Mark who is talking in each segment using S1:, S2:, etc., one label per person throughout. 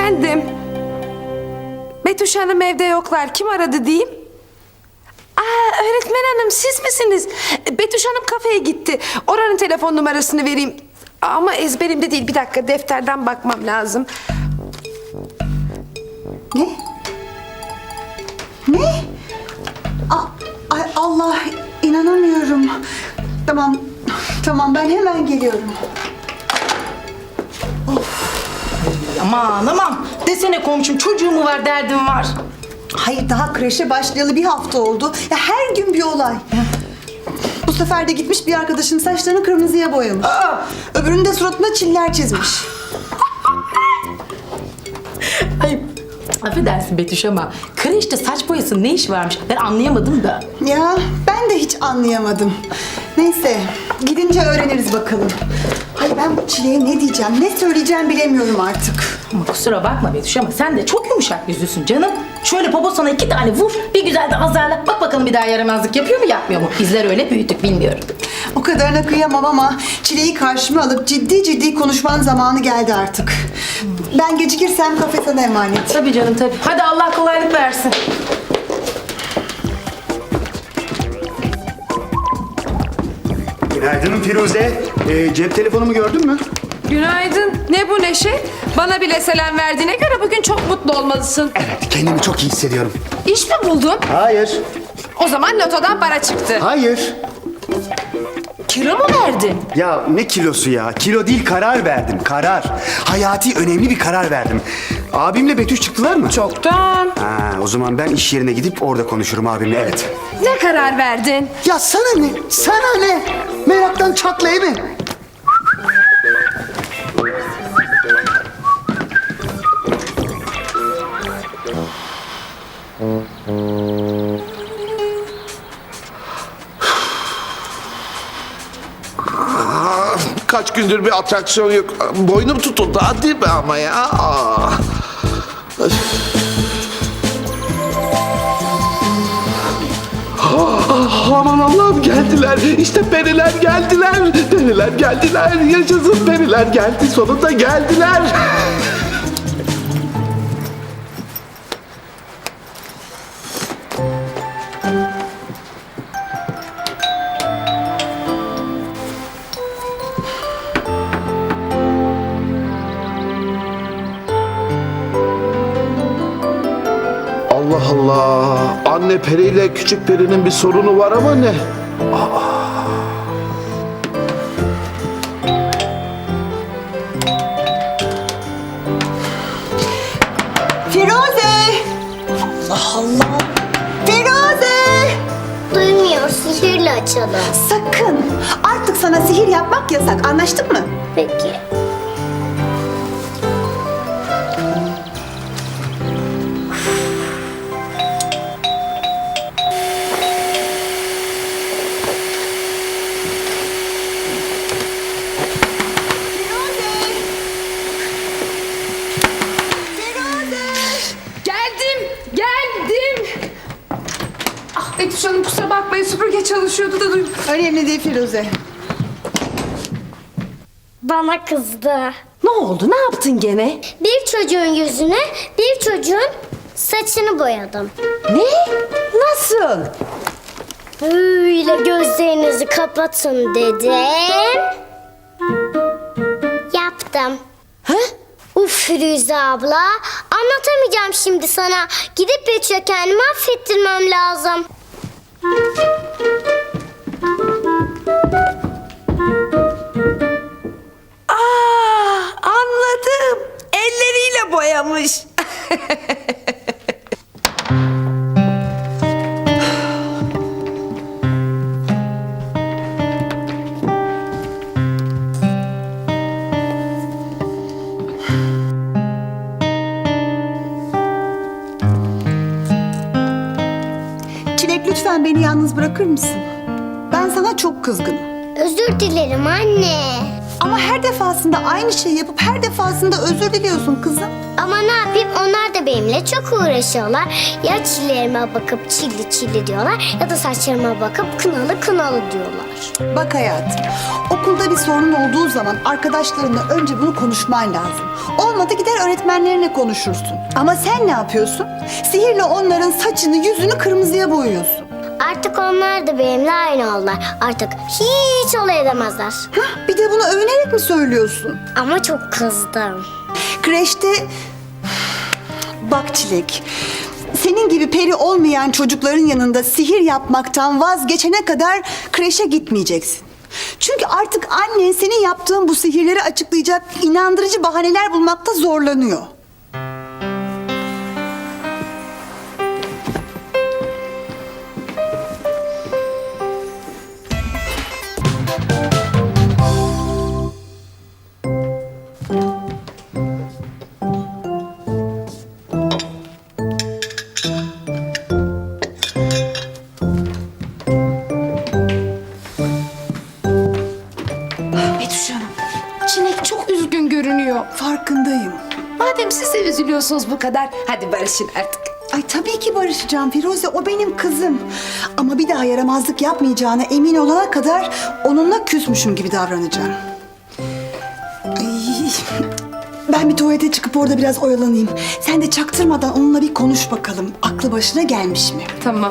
S1: Efendim? Betüş Hanım evde yoklar. Kim aradı diyeyim? Aa, öğretmen hanım siz misiniz? Betüş Hanım kafeye gitti. Oranın telefon numarasını vereyim. Ama ezberimde değil. Bir dakika defterden bakmam lazım.
S2: Ne? Ne? Ay Allah, inanamıyorum. Tamam ben hemen geliyorum.
S3: Aman desene komşum, çocuğu mu var, derdim var.
S2: Hayır, daha kreşe başlayalı bir hafta oldu. Ya her gün bir olay. Bu sefer de gitmiş bir arkadaşının saçlarını kırmızıya boyamış. Öbürünün de suratına çiller çizmiş.
S3: Ay, affedersin Betüş ama kreşte saç boyasının ne iş varmış, ben anlayamadım da.
S2: Ya ben de hiç anlayamadım. Neyse, gidince öğreniriz bakalım. Ay ben bu Çile'ye ne diyeceğim, ne söyleyeceğim bilemiyorum artık.
S3: Ama kusura bakma Betüş ama sen de çok yumuşak yüzlüsün canım. Şöyle poposuna 2 tane vur, bir güzel de azarla. Bak bakalım bir daha yaramazlık yapıyor mu yapmıyor mu? Bizler öyle büyüttük, bilmiyorum.
S2: O kadarına kıyamam ama Çile'yi karşıma alıp ciddi konuşmanın zamanı geldi artık. Ben gecikirsem kafe sana emanet.
S3: Tabii canım tabii. Hadi Allah kolaylık versin.
S4: Günaydın Firuze. Cep telefonumu gördün mü?
S1: Günaydın. Ne bu neşe? Bana bile selam verdiğine göre bugün çok mutlu olmalısın.
S4: Evet, kendimi çok iyi hissediyorum.
S1: İş mi buldun?
S4: Hayır,
S1: O zaman lotodan para çıktı.
S4: hayır.
S1: Kilo mu verdin?
S4: Ya ne kilosu ya? Kilo değil, karar verdim, karar. Hayati önemli bir karar verdim. Abimle Betüş çıktılar mı?
S1: Çoktan.
S4: Ha, o zaman ben iş yerine gidip orada konuşurum abimle, evet.
S1: Ne karar verdin?
S4: Ya sana ne? Sana ne? Meraktan çatlayı mı?
S5: Kaç gündür bir atraksiyon yok. Boynum tutuldu hadi be ama ya. Öf. Aman Allah'ım, geldiler. İşte periler geldiler. Periler geldiler. Yaşasın, periler geldi. Sonunda geldiler. Allah Allah. Anne periyle küçük perinin bir sorunu var ama ne?
S2: Firuze! Allah! Firuze!
S6: Duymuyor, sihirle açalım.
S2: Sakın! Artık sana sihir yapmak yasak, anlaştık mı?
S6: Peki.
S1: Geldim. Ah Betüş Hanım kusura bakmayın süpürge çalışıyordu da duydum.
S2: Önemli değil Firuze.
S6: Bana kızdı.
S1: Ne oldu? Ne yaptın gene?
S6: Bir çocuğun yüzüne, bir çocuğun saçını boyadım.
S1: Ne? Nasıl?
S6: Böyle gözlerinizi kapatın dedim. Yaptım.
S1: Ha?
S6: Uf Firuze abla, anlatamayacağım şimdi sana. Gidip Betüş'e kendimi affettirmem lazım.
S1: Anladım. Elleriyle boyamış.
S2: Çilek lütfen beni yalnız bırakır mısın? Ben sana çok kızgınım.
S6: Özür dilerim anne.
S2: Ama her defasında aynı şeyi yapıp her defasında özür diliyorsun kızım.
S6: Ama ne yapayım, onlar da benimle çok uğraşıyorlar. Ya çillerime bakıp çilli çilli diyorlar ya da saçlarıma bakıp kınalı kınalı diyorlar.
S2: Bak hayatım, okulda bir sorun olduğu zaman arkadaşlarınla önce bunu konuşman lazım. Olmadı gider öğretmenlerine konuşursun. Ama sen ne yapıyorsun? Sihirle onların saçını yüzünü kırmızıya boyuyorsun.
S6: Artık onlar da benimle aynı oldular. Artık hiç olay edemezler.
S2: Hah, bir de bunu övünerek mi söylüyorsun?
S6: Ama çok kızdım.
S2: Kreşte... Bak Çilek, senin gibi peri olmayan çocukların yanında sihir yapmaktan vazgeçene kadar kreşe gitmeyeceksin. Çünkü artık annen senin yaptığın bu sihirleri açıklayacak inandırıcı bahaneler bulmakta zorlanıyor.
S1: Betüş Hanım, Çilek çok üzgün görünüyor.
S2: Farkındayım.
S1: Madem siz de üzülüyorsunuz bu kadar, hadi barışın artık.
S2: Ay tabii ki barışacağım Firuze, o benim kızım. Ama bir daha yaramazlık yapmayacağına emin olana kadar onunla küsmüşüm gibi davranacağım. Ay, ben bir tuvalete çıkıp orada biraz oyalanayım. Sen de çaktırmadan onunla bir konuş bakalım. Aklı başına gelmiş mi?
S1: Tamam.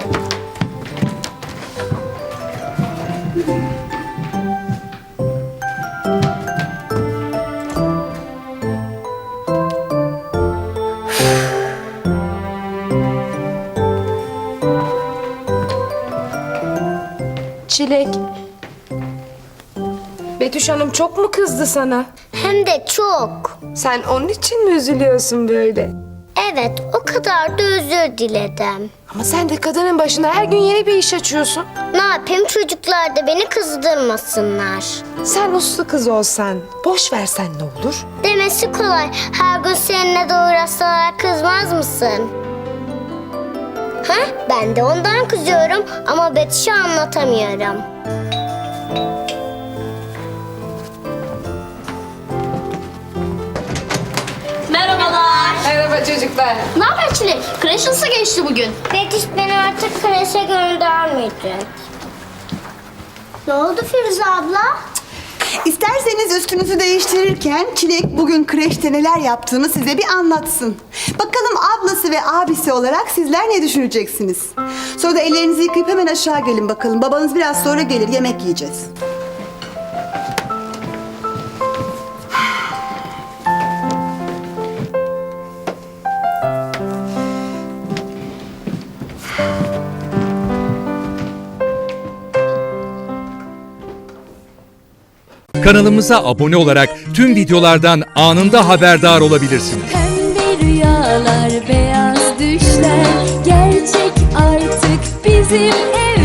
S1: Çilek. Betüş Hanım çok mu kızdı sana?
S6: Hem de çok.
S1: Sen onun için mi üzülüyorsun böyle?
S6: Evet, o kadar da özür diledim.
S1: Ama sen de kadının başına her gün yeni bir iş açıyorsun.
S6: Ne yapayım, çocuklar da beni kızdırmasınlar.
S1: Sen uslu kız olsan, boş versen ne olur?
S6: Demesi kolay. Her gün seninle de uğraşsalar kızmaz mısın? Ha? Ben de ondan kızıyorum ama Betüş'e anlatamıyorum.
S7: Merhabalar.
S1: Merhaba çocuklar.
S7: Ne haber Çilek? Kreş nasıl geçti bugün?
S6: Betüş beni artık kreşe göndermeyecek. Ne oldu Firuze abla?
S2: İsterseniz üstünüzü değiştirirken Çilek bugün kreşte neler yaptığını size bir anlatsın. Bakalım ablası ve abisi olarak sizler ne düşüneceksiniz? Sonra da ellerinizi yıkayıp hemen aşağı gelin bakalım. Babanız biraz sonra gelir, yemek yiyeceğiz.
S8: Kanalımıza abone olarak tüm videolardan anında haberdar olabilirsiniz.
S9: Pembe rüyalar, beyaz düşler gerçek artık bizim ev.